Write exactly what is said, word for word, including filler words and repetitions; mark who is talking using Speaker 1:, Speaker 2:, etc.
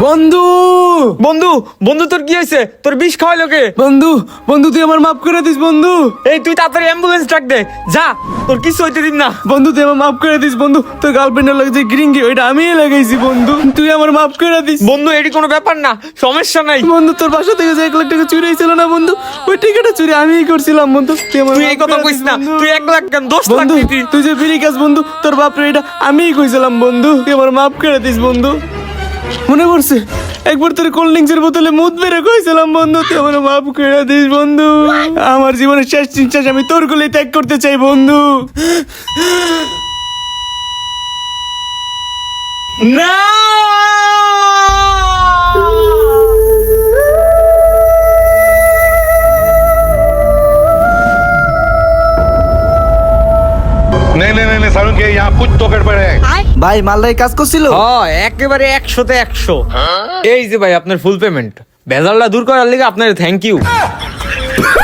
Speaker 1: বন্ধু
Speaker 2: বন্ধু বন্ধু তোর কি হয়েছে? তোর বিষ খাওয়াইলো কে?
Speaker 1: বন্ধু বন্ধু তুই আমার মাফ করে দিস বন্ধু।
Speaker 2: এই তুই তাড়াতাড়ি অ্যাম্বুলেন্স ডাক দে, যা, তোর কিছু হইতে দিন না।
Speaker 1: বন্ধু তুই আমার মাফ করে দিস বন্ধু। তোর গার্লফ্রেন্ডের লাগে যে গ্রিঙ্গি ওইটা আমিই লাগাইছি বন্ধু, তুই আমার মাফ করে দিস
Speaker 2: বন্ধু এটি কোনো ব্যাপার না, সমস্যা নাই।
Speaker 1: বন্ধু। তোর বাসা থেকে যে এক লাখ টাকা চুরি হয়েছিল না বন্ধু, ওই টাকাটা চুরি আমিই করছিলাম বন্ধু। তুই আমার
Speaker 2: তুই
Speaker 1: মাফ
Speaker 2: এই কথা
Speaker 1: করে
Speaker 2: কইস
Speaker 1: দিস
Speaker 2: না,
Speaker 1: বন্ধু।
Speaker 2: তুই এক লাখ কেন দশ লাখ
Speaker 1: বন্ধু
Speaker 2: দিতি।
Speaker 1: তুই যে ফিরি কাজ বন্ধু, তোর বাপরে এটা আমিই কইছিলাম বন্ধু, তুই আমার মাফ করে দিস বন্ধু। মনে পড়ছে একবার তোর কোল্ড ড্রিঙ্কস এর বোতলে মুদ বেড়ে কইছিলাম বন্ধু, তুই আমার মাফ করে দিস বন্ধু। আমার জীবনের শেষ নিঃশ্বাস আমি তোর কোলে ত্যাগ করতে চাই বন্ধু।
Speaker 2: না
Speaker 3: नहीं नहीं नहीं नहीं सारुण के यहाँ कुछ तो गड़बड़ है।
Speaker 1: ভাই মালদায় কাজ করছিল।
Speaker 2: হ্যাঁ একেবারে একশোতে একশো। এই যে ভাই আপনার ফুল পেমেন্ট, ভেজালটা দূর করার লিগে আপনার থ্যাংক ইউ।